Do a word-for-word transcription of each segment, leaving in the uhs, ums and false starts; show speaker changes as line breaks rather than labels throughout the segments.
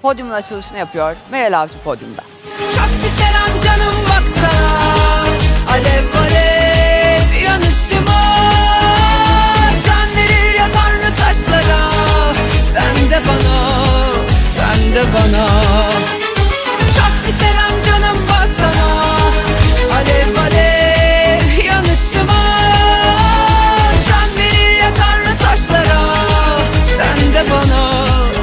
podyumun açılışını yapıyor. Meral Avcı podyumda.
Çok bir selam canım baksana. Alev alev yanışıma. Can verir ya Tanrı taşlara. Sen de bana, sen de bana. Çok bir selam canım baksana. Alev alev yanışıma. Can verir ya Tanrı taşlara. Sen de bana.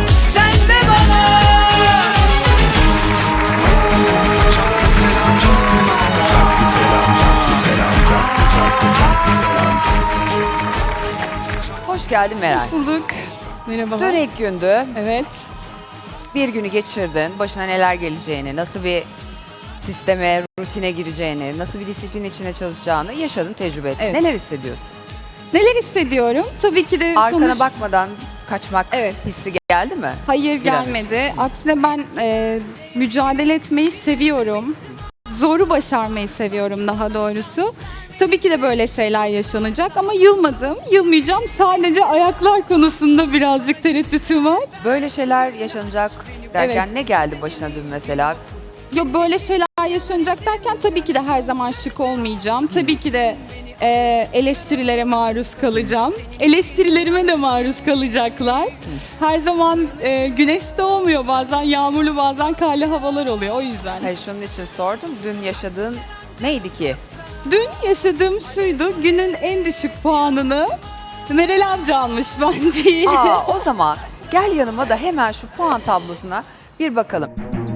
Hoş geldin Meral.
Hoş bulduk. Merhabalar.
Dün ilk gündü.
Evet.
Bir günü geçirdin. Başına neler geleceğini, nasıl bir sisteme, rutine gireceğini, nasıl bir disiplin içine çalışacağını yaşadın, tecrübe ettin.
Evet.
Neler hissediyorsun?
Neler hissediyorum? Tabii ki de
Arkana
sonuç...
bakmadan kaçmak
Evet.
hissi geldi mi?
Hayır,
Biraz.
gelmedi. Aksine ben e, mücadele etmeyi seviyorum. Zoru başarmayı seviyorum daha doğrusu. Tabii ki de böyle şeyler yaşanacak ama yılmadım, yılmayacağım. Sadece ayaklar konusunda birazcık tereddütüm var.
Böyle şeyler yaşanacak derken
Evet.
ne geldi başına dün mesela?
Yo, böyle şeyler yaşanacak derken tabii ki de her zaman şık olmayacağım. Tabii ki de e, eleştirilere maruz kalacağım. Eleştirilerime de maruz kalacaklar. Her zaman e, güneş doğmuyor. Bazen yağmurlu, bazen karlı havalar oluyor. O yüzden.
Hayır, şunun için sordum. Dün yaşadığın neydi ki?
Dün yaşadığım şuydu. Günün en düşük puanını Meral Avcı almış, ben değil.
Aa, o zaman gel yanıma da hemen şu puan tablosuna bir bakalım.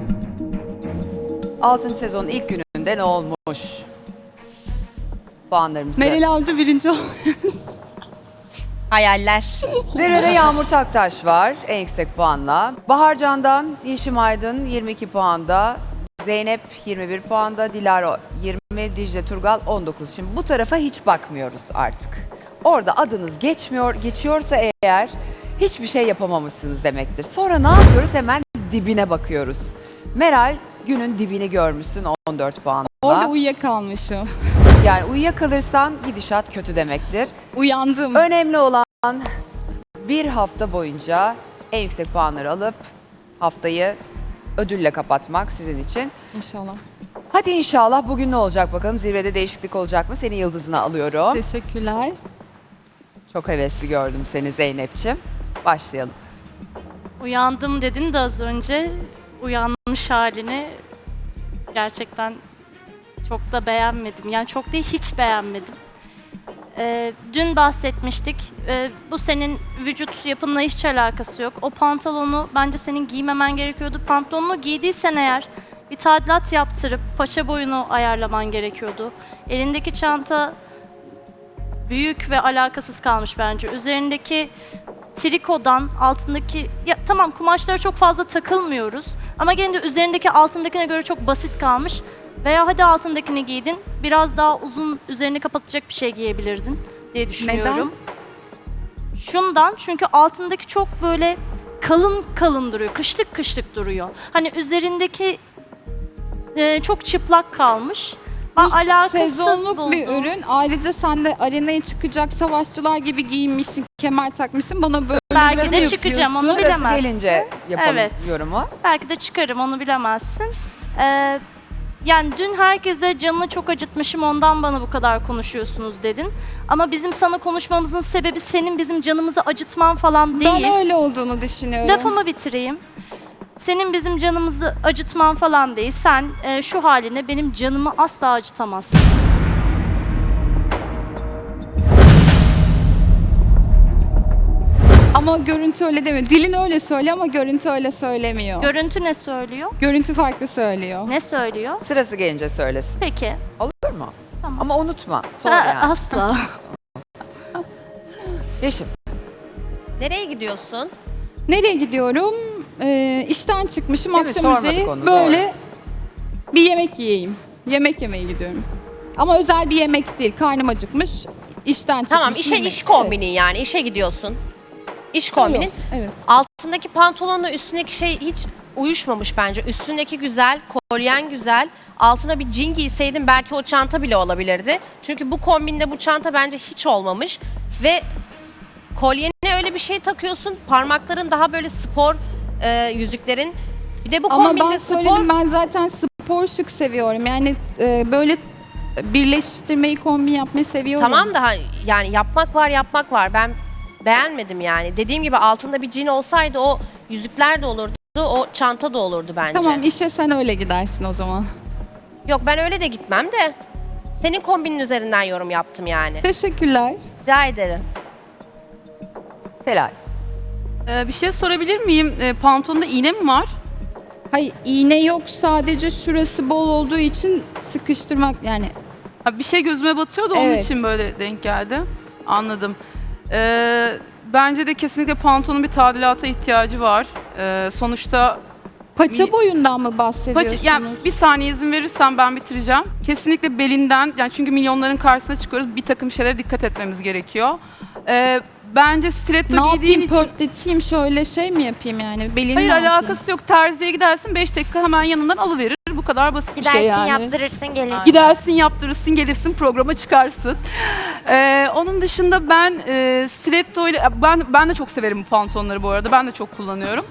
altıncı sezonun ilk gününde ne olmuş? Puanlarımızı.
Meral Avcı birinci oldu.
Hayaller.
Zirvede Yağmur Taktaş var en yüksek puanla. Bahar Can'dan Yeşim Aydın yirmi iki puanda. Zeynep yirmi bir puanda. Dilara yirmi, Dicle Turgal on dokuz. Şimdi bu tarafa hiç bakmıyoruz artık. Orada adınız geçmiyor, geçiyorsa eğer hiçbir şey yapamamışsınız demektir. Sonra ne yapıyoruz? Hemen dibine bakıyoruz. Meral günün dibini görmüşsün on dört puanla.
Orada uyuyakalmışım.
Yani uyuyakalırsan gidişat kötü demektir.
Uyandım.
Önemli olan bir hafta boyunca en yüksek puanları alıp haftayı ödülle kapatmak sizin için.
İnşallah.
Hadi inşallah bugün ne olacak bakalım, zirvede değişiklik olacak mı? Seni yıldızına alıyorum.
Teşekkürler.
Çok hevesli gördüm seni Zeynep'ciğim. Başlayalım.
Uyandım dedin de az önce uyanmış halini gerçekten çok da beğenmedim. Yani çok değil, hiç beğenmedim. Ee, dün bahsetmiştik. Ee, bu senin vücut yapınla hiç alakası yok. O pantolonu bence senin giymemen gerekiyordu. Pantolonunu giydiysen eğer bir tadilat yaptırıp paça boyunu ayarlaman gerekiyordu. Elindeki çanta büyük ve alakasız kalmış bence. Üzerindeki trikodan altındaki, ya tamam kumaşlara çok fazla takılmıyoruz ama gene de üzerindeki altındakine göre çok basit kalmış. Veya hadi altındakini giydin, biraz daha uzun üzerini kapatacak bir şey giyebilirdin diye düşünüyorum. Neden? Şundan, çünkü altındaki çok böyle kalın kalın duruyor, kışlık kışlık duruyor. Hani üzerindeki e, çok çıplak kalmış.
Bu
Alakasız
sezonluk
buldum.
bir ürün. Ayrıca sen de arenaya çıkacak savaşçılar gibi giyinmişsin, kemer takmışsın. Bana böyle
Belki
biraz
de çıkacağım, onu
yapıyorsun.
Sırası
bilemezsin.
gelince yapalım
Evet.
yorumu.
Belki de çıkarım, onu bilemezsin. Ee, yani dün herkese canını çok acıtmışım, ondan bana bu kadar konuşuyorsunuz dedin. Ama bizim sana konuşmamızın sebebi senin bizim canımızı acıtman falan değil.
Ben öyle olduğunu düşünüyorum.
Lafımı bitireyim. Senin bizim canımızı acıtman falan değil. Sen e, şu haline benim canımı asla acıtamazsın.
Ama görüntü öyle demiyor. Dilin öyle söylüyor ama görüntü öyle söylemiyor.
Görüntü ne söylüyor?
görüntü farklı söylüyor.
Ne söylüyor?
Sırası gelince söylesin.
Peki.
Olur mu?
Tamam.
Ama unutma. Sor
Ha,
yani.
asla.
Yeşim.
Nereye gidiyorsun?
Nereye gidiyorum? Ee, işten çıkmışım,
Değil mi?
akşam
Sormadık
üzeri
onu,
böyle bir yemek yiyeyim. Yemek yemeye gidiyorum. Ama özel bir yemek değil. Karnım acıkmış. İşten çıkmışım.
Tamam, işe
yemek.
iş kombinin yani. İşe gidiyorsun. İş kombinin.
Evet. Evet.
Altındaki pantolonla üstündeki şey hiç uyuşmamış bence. Üstündeki güzel, kolyen güzel. Altına bir jean giyseydin belki o çanta bile olabilirdi. Çünkü bu kombinde bu çanta bence hiç olmamış. Ve kolyene öyle bir şey takıyorsun. Parmakların daha böyle spor e, yüzüklerin Bir de bu
Ama
kombinde
ben
spor...
söyledim, ben zaten spor şık seviyorum. Yani e, böyle birleştirmeyi, kombin yapmayı seviyorum.
Tamam da ha- yani yapmak var yapmak var. Ben beğenmedim yani. Dediğim gibi altında bir cin olsaydı o yüzükler de olurdu, o çanta da olurdu bence.
Tamam, işe sen öyle gidersin o zaman.
Yok ben öyle de gitmem de. Senin kombinin üzerinden yorum yaptım yani.
Teşekkürler.
Rica ederim.
Selay.
Ee, bir şey sorabilir miyim? Ee, pantolonda iğne mi var?
Hayır, iğne yok, sadece şurası bol olduğu için sıkıştırmak yani.
Ha, bir şey gözüme batıyor da onun
Evet.
için böyle denk geldi. Anladım. Ee, bence de kesinlikle pantolonun bir tadilata ihtiyacı var. Ee, sonuçta
Paça
Bir-
boyundan mı
paça,
bahsediyorsunuz?
yani bir saniye izin verirsen ben bitireceğim. Kesinlikle belinden, yani çünkü milyonların karşısına çıkıyoruz. Bir takım şeylere dikkat etmemiz gerekiyor. Ee, bence stiletto
Ne
giydiğin
yapayım,
için...
pörtleteyim, şöyle şey mi yapayım yani? Belini
Hayır
ne yapayım?
alakası yok. Terziye gidersin beş dakika hemen yanından alıverir. Bu kadar basit bir
Gidersin
şey yani.
yaptırırsın gelirsin.
Gidersin yaptırırsın gelirsin programa çıkarsın. Ee, onun dışında ben e, stiletto ile ben ben de çok severim bu pantolonları bu arada. Ben de çok kullanıyorum.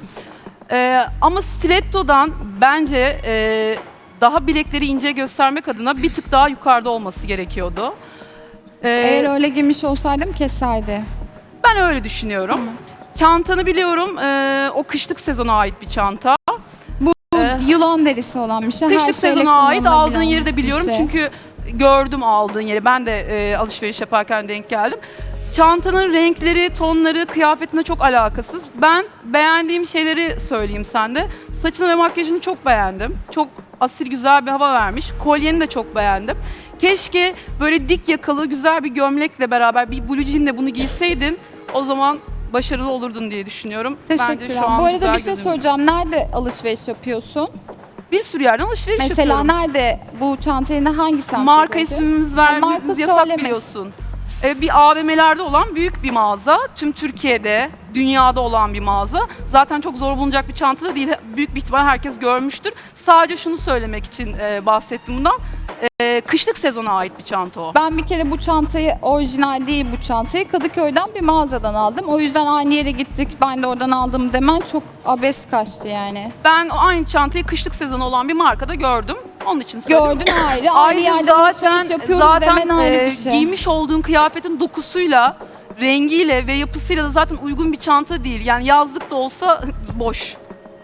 Ee, ama stiletto'dan bence e, daha bilekleri ince göstermek adına bir tık daha yukarıda olması gerekiyordu. Ee,
Eğer öyle giymiş olsaydım keserdi.
ben öyle düşünüyorum. Çantanı biliyorum. e, o kışlık sezona ait bir çanta.
Bu
Ee,
yılan derisi olan bir şey. Her
Kışlık
şeyle
sezona ait aldığın
kullanılabilen
yeri de
bir
biliyorum
şey.
çünkü gördüm aldığın yeri. Ben de e, alışveriş yaparken denk geldim. Çantanın renkleri, tonları, kıyafetine çok alakasız. Ben beğendiğim şeyleri söyleyeyim sende. Saçını ve makyajını çok beğendim. Çok asil güzel bir hava vermiş. Kolyeni de çok beğendim. Keşke böyle dik yakalı güzel bir gömlekle beraber bir blue jeanle bunu giyseydin. O zaman başarılı olurdun diye düşünüyorum. Bence
Teşekkürler.
şu an
Bu arada
güzel
bir şey
gözüküyor.
soracağım. Nerede alışveriş yapıyorsun?
Bir sürü yerden alışveriş
Mesela
yapıyorum.
nerede bu çantayı hangi semtte
Marka
gördün?
ismimiz
E,
vermemiz
marka
yasak
söyleme.
biliyorsun. Ee, bir A V M'lerde olan büyük bir mağaza. Tüm Türkiye'de, dünyada olan bir mağaza. Zaten çok zor bulunacak bir çanta da değil. Büyük bir ihtimal herkes görmüştür. Sadece şunu söylemek için e, bahsettim bundan. E, kışlık sezona ait bir çanta o.
Ben bir kere bu çantayı, orijinal değil bu çantayı, Kadıköy'den bir mağazadan aldım. O yüzden aynı yere gittik, ben de oradan aldım demen çok abes kaçtı yani.
Ben o aynı çantayı kışlık sezonu olan bir markada gördüm. Onun için söylüyorum.
Gördün ayrı, ayrı
Ayrıca
yerden
zaten,
alışveriş yapıyoruz
zaten
demen ayrı
e,
bir şey.
giymiş olduğun kıyafetin dokusuyla, rengiyle ve yapısıyla da zaten uygun bir çanta değil. Yani yazlık da olsa boş.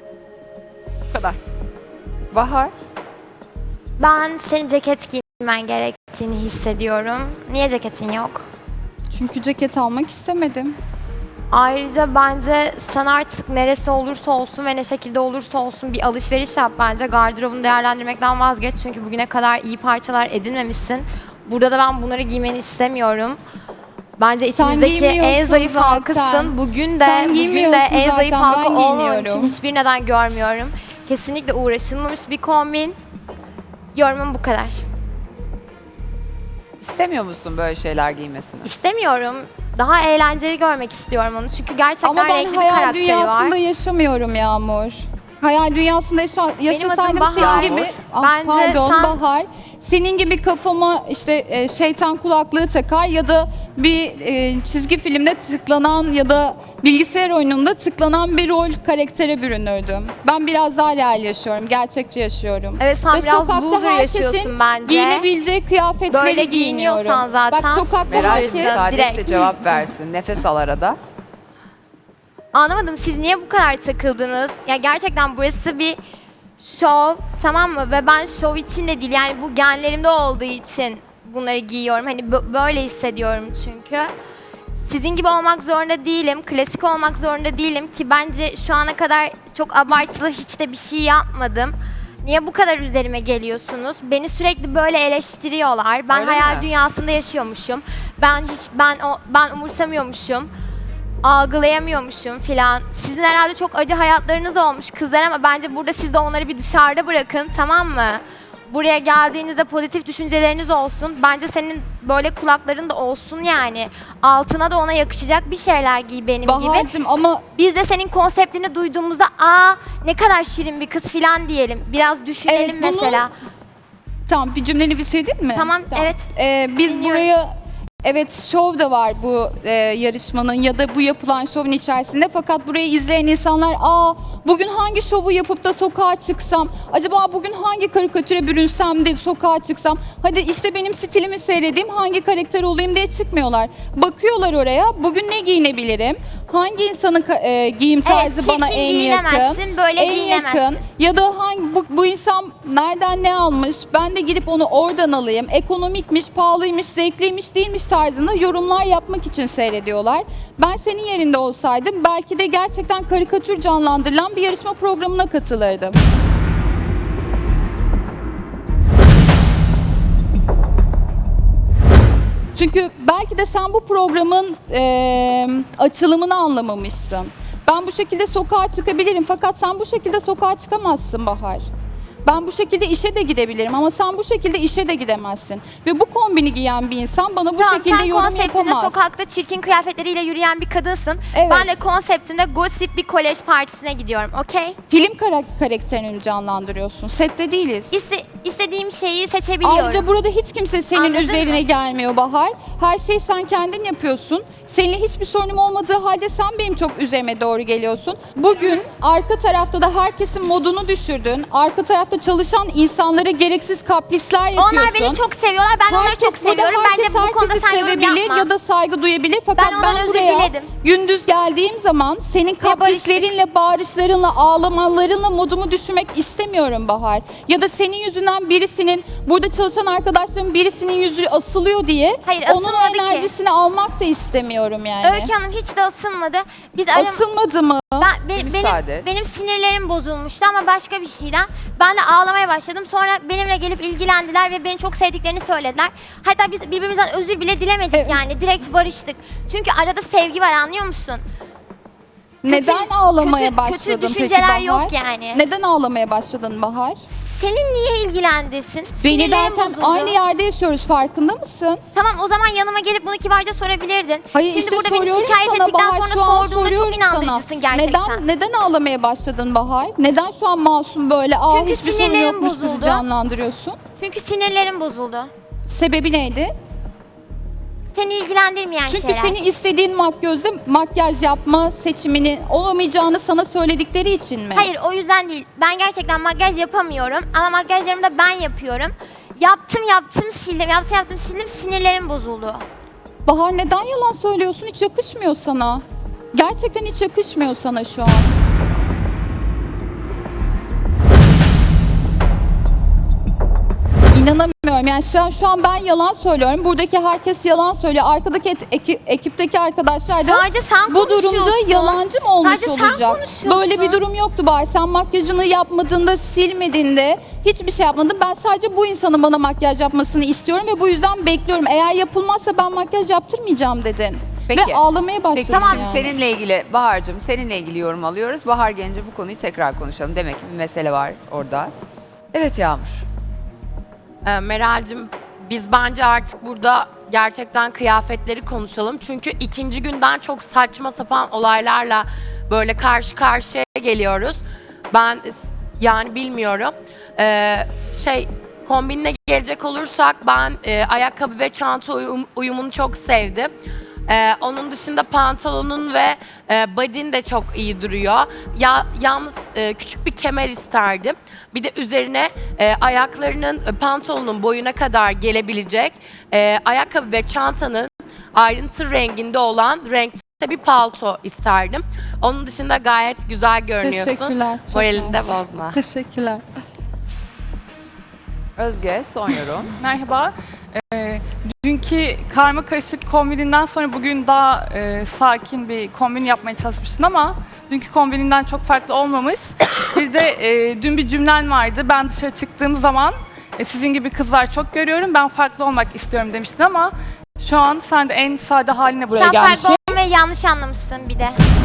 Bu kadar.
Bahar.
Ben senin ceket giymen gerektiğini hissediyorum. Niye ceketin yok?
Çünkü ceket almak istemedim.
Ayrıca bence sen artık neresi olursa olsun ve ne şekilde olursa olsun bir alışveriş yap bence. Gardırobunu değerlendirmekten vazgeç çünkü bugüne kadar iyi parçalar edinmemişsin. Burada da ben bunları giymeni istemiyorum. Bence
Sen
içimizdeki en
giymiyorsun
zayıf
zaten.
halkasın. Bugün de,
Sen
bugün de
giymiyorsun
en zayıf
zaten,
halka
ben
olmaman için
giyiniyorum.
hiçbir neden görmüyorum. Kesinlikle uğraşılmamış bir kombin. Yorumum bu kadar.
İstemiyor musun böyle şeyler giymesini?
İstemiyorum. Daha eğlenceli görmek istiyorum onu. Çünkü gerçekten
Ama ben
renkli bir
hayal
karakteri
dünyasında
var.
yaşamıyorum Yağmur. Hayal dünyasında yaşa yaşasaydım
Bahar.
senin gibi, ah,
Bence
pardon
sen-
Bahar, senin gibi kafama işte e, şeytan kulaklığı takar ya da bir e, çizgi filmde tıklanan ya da bilgisayar oyununda tıklanan bir rol karaktere bürünürdüm. Ben biraz daha real yaşıyorum, gerçekçi yaşıyorum.
Evet sen
Ve
biraz
sokakta
loser
herkesin
yaşıyorsun bence.
giyinebileceği kıyafetleri
Böyle
giyiniyorum.
giyiniyorsan zaten-
Bak sokakta
Meral
herkes-
müsaade et de
direkt.
cevap versin. Nefes al arada.
Anlamadım siz niye bu kadar takıldınız? Ya gerçekten burası bir şov, tamam mı? Ve ben şov için de değil yani bu genlerimde olduğu için bunları giyiyorum. Hani bö- böyle hissediyorum çünkü. Sizin gibi olmak zorunda değilim, klasik olmak zorunda değilim ki bence şu ana kadar çok abartılı hiç de bir şey yapmadım. Niye bu kadar üzerime geliyorsunuz? Beni sürekli böyle eleştiriyorlar. Ben
Öyle
hayal
mi?
dünyasında yaşıyormuşum. Ben hiç ben o ben umursamıyormuşum. Algılayamıyormuşum filan. Sizin herhalde çok acı hayatlarınız olmuş kızlar ama bence burada siz de onları bir dışarıda bırakın, tamam mı? Buraya geldiğinizde pozitif düşünceleriniz olsun. Bence senin böyle kulakların da olsun yani. Altına da ona yakışacak bir şeyler giy benim gibi.
Bahar'cığım ama
Biz de senin konseptini duyduğumuzda aa ne kadar şirin bir kız filan diyelim. Biraz düşünelim
Evet, bunu-
mesela.
tamam, bir cümleni bitirdin mi?
Tamam, evet.
Ee, biz
Dinliyorum.
buraya Evet, şov da var bu e, yarışmanın ya da bu yapılan şovun içerisinde. Fakat burayı izleyen insanlar, aa bugün hangi şovu yapıp da sokağa çıksam, acaba bugün hangi karikatüre bürünsem de sokağa çıksam, hadi işte benim stilimi seyredeyim, hangi karakter olayım diye çıkmıyorlar. Bakıyorlar oraya, bugün ne giyinebilirim, hangi insanın ka- e, giyim tarzı
Evet,
bana
çirkin
en yakın,
giyinemezsin, böyle
en
giyinemezsin.
yakın ya da hangi bu, bu insan nereden ne almış, ben de gidip onu oradan alayım, ekonomikmiş, pahalıymış, zevkliymiş, değilmiş tarzında yorumlar yapmak için seyrediyorlar. Ben senin yerinde olsaydım belki de gerçekten karikatür canlandırılan bir yarışma programına katılırdım. Çünkü belki de sen bu programın eee, açılımını anlamamışsın. Ben bu şekilde sokağa çıkabilirim fakat sen bu şekilde sokağa çıkamazsın Bahar. Ben bu şekilde işe de gidebilirim ama sen bu şekilde işe de gidemezsin. Ve bu kombini giyen bir insan bana bu
Tamam,
şekilde
sen
yorum
konseptinde
yapamaz.
sokakta çirkin kıyafetleriyle yürüyen bir kadınsın.
Evet.
Ben de konseptinde gossip bir kolej partisine gidiyorum, okey?
Film kara- karakterini canlandırıyorsun. Sette değiliz.
İste, istediğim şeyi seçebiliyorum.
Ayrıca burada hiç kimse senin
Anladın
üzerine
mı?
gelmiyor Bahar. Her şeyi sen kendin yapıyorsun. Seninle hiçbir sorunum olmadığı halde sen benim çok üzerime doğru geliyorsun. Bugün arka tarafta da herkesin modunu düşürdün. Arka tarafta çalışan insanlara gereksiz kaprisler yapıyorsun.
Onlar beni çok seviyorlar, ben onları çok
Herkes burada
seviyorum.
herkes
Bence bu konuda
herkesi
sen yorum
sevebilir
yapma.
ya da saygı duyabilir. Fakat
Ben ondan
ben,
özür
buraya
diledim.
gündüz geldiğim zaman senin kaprislerinle, bağırışlarınla, ağlamalarınla modumu düşürmek istemiyorum Bahar. Ya da senin yüzünden birisinin, burada çalışan arkadaşlarımın birisinin yüzü asılıyor diye
Hayır,
onun
asılmadı ki.
enerjisini almak da istemiyorum yani.
Öykü Hanım hiç de asılmadı. Biz aram-
Asılmadı mı?
Ben, be-
Bir
benim,
müsaade et.
benim sinirlerim bozulmuştu ama başka bir şeyden. Ben de ağlamaya başladım. Sonra benimle gelip ilgilendiler ve beni çok sevdiklerini söylediler. Hatta biz birbirimizden özür bile dilemedik
Evet.
yani. Direkt barıştık. Çünkü arada sevgi var, anlıyor musun?
Neden ağlamaya
kötü-
başladın
kötü
peki
düşünceler
Bahar?
yok yani.
Neden ağlamaya başladın Bahar?
Senin niye ilgilendirsin?
Beni
Sinirlerim
derken
bozuldu.
aynı yerde yaşıyoruz, farkında mısın?
Tamam, o zaman yanıma gelip bunu kibarca sorabilirdin.
Hayır
Şimdi
işte
burada beni
soruyorum
şikayet
sana
ettikten
Bahar,
sonra
şu an
sorduğunda
soruyorum
çok
sana.
inandırıcısın gerçekten.
Neden neden ağlamaya başladın Bahar? Neden şu an masum böyle aa
Çünkü
hiçbir sorun
sinirlerim
yokmuş bizi
bozuldu.
canlandırıyorsun?
Çünkü sinirlerim bozuldu.
Sebebi neydi?
Seni ilgilendirmeyen
Çünkü
şeyler.
senin istediğin makyözde makyaj yapma seçimini olamayacağını sana söyledikleri için mi?
Hayır, o yüzden değil. Ben gerçekten makyaj yapamıyorum ama makyajlarımı da ben yapıyorum. Yaptım yaptım sildim, yaptım yaptım sildim, sinirlerim bozuldu.
Bahar neden yalan söylüyorsun? Hiç yakışmıyor sana. Gerçekten hiç yakışmıyor sana şu an. İnanamıyorum. Yani şu an, şu an ben yalan söylüyorum. Buradaki herkes yalan söylüyor. Arkadaki et- eki- ekipteki arkadaşlar da
Sadece sen
bu durumda
konuşuyorsun.
yalancı mı olmuş
Sadece sen
olacak?
konuşuyorsun.
Böyle bir durum yoktu Bahar. Sen makyajını yapmadığında, silmediğinde hiçbir şey yapmadın. Ben sadece bu insanın bana makyaj yapmasını istiyorum ve bu yüzden bekliyorum. Eğer yapılmazsa ben makyaj yaptırmayacağım dedin.
Peki.
Ve ağlamaya başladın
Peki tamam,
yani.
seninle ilgili Bahar'cığım seninle ilgili yorum alıyoruz. Bahar gelince bu konuyu tekrar konuşalım. Demek ki bir mesele var orada. Evet Yağmur.
Ee, Meral'cim, biz bence artık burada gerçekten kıyafetleri konuşalım. Çünkü ikinci günden çok saçma sapan olaylarla böyle karşı karşıya geliyoruz. Ben yani bilmiyorum. Ee, şey kombinine gelecek olursak ben e, ayakkabı ve çanta uyum- uyumunu çok sevdim. Ee, onun dışında pantolonun ve e, body'in de çok iyi duruyor. Ya yalnız e, küçük bir kemer isterdim. Bir de üzerine e, ayaklarının e, pantolonun boyuna kadar gelebilecek e, ayakkabı ve çantanın ayrıntı renginde olan renkte bir palto isterdim. Onun dışında gayet güzel görünüyorsun.
Teşekkürler. çok
Moralini de
mersi.
bozma.
Teşekkürler.
Özge son yorum.
Merhaba. Ee, dünkü karma karışık kombininden sonra bugün daha e, sakin bir kombin yapmaya çalışmıştın ama dünkü kombininden çok farklı olmamış. Bir de e, dün bir cümlen vardı. Ben dışarı çıktığım zaman e, sizin gibi kızlar çok görüyorum. Ben farklı olmak istiyorum demiştin ama şu an sen de en sade haline buraya
Sen
gelmişsin.
farklı olmayı yanlış anlamışsın bir de.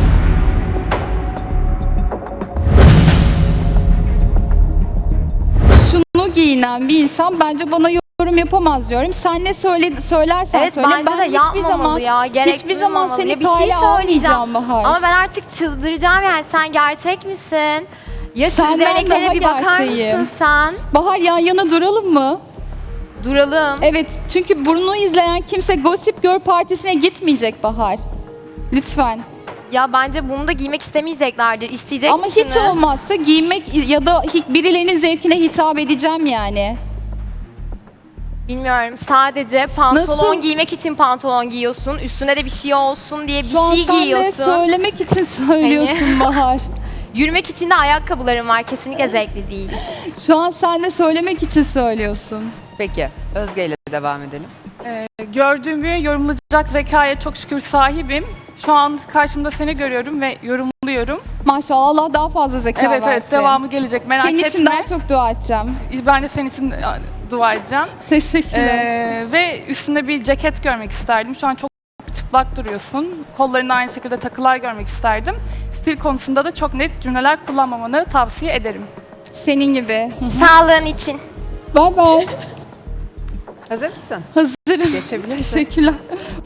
Şunu giyinen bir insan bence bana yorum yapamaz diyorum. Sen ne söyle, söylersen
Evet,
söyle.
bence
Ben
de
hiçbir
yapmamalı
zaman
ya, gerek
hiçbir zaman
duymamalı.
seni
Ya bir şey
kale
söyleyeceğim.
almayacağım Bahar.
Ama ben artık çıldıracağım yani, sen gerçek misin? Ya şu
Senden
göbeleklere
daha
bir bakar
gerçeğim.
mısın sen?
Bahar yan yana duralım mı?
Duralım.
Evet, çünkü bunu izleyen kimse Gossip Girl partisine gitmeyecek Bahar. Lütfen.
Ya bence bunu da giymek istemeyeceklerdir. İsteyecek
Ama
misiniz?
hiç olmazsa giymek ya da hi- birilerinin zevkine hitap edeceğim yani.
Bilmiyorum. Sadece pantolon
Nasıl?
giymek için pantolon giyiyorsun. Üstüne de bir şey olsun diye bir
Şu an
şey
sen de
giyiyorsun.
söylemek için söylüyorsun Bahar.
Yürümek için de ayakkabılarım var. Kesinlikle zevkli değil.
Şu an sen de söylemek için söylüyorsun.
Peki Özge ile devam edelim.
Ee, gördüğümü yorumlayacak zekaya çok şükür sahibim. Şu an karşımda seni görüyorum ve yorumluyorum.
Maşallah Allah daha fazla zeka
evet evet
versin.
devamı gelecek merak
Senin
etme.
için daha çok dua edeceğim.
Ben de senin için e, dua edeceğim.
Teşekkürler.
Ee, ve üstünde bir ceket görmek isterdim. Şu an çok çıplak duruyorsun. Kollarında aynı şekilde takılar görmek isterdim. Stil konusunda da çok net cümleler kullanmamanı tavsiye ederim.
Senin gibi.
Sağlığın için.
Bye bye.
Hazır mısın?
Hazırım.
Geçebilirsin.
Teşekkürler.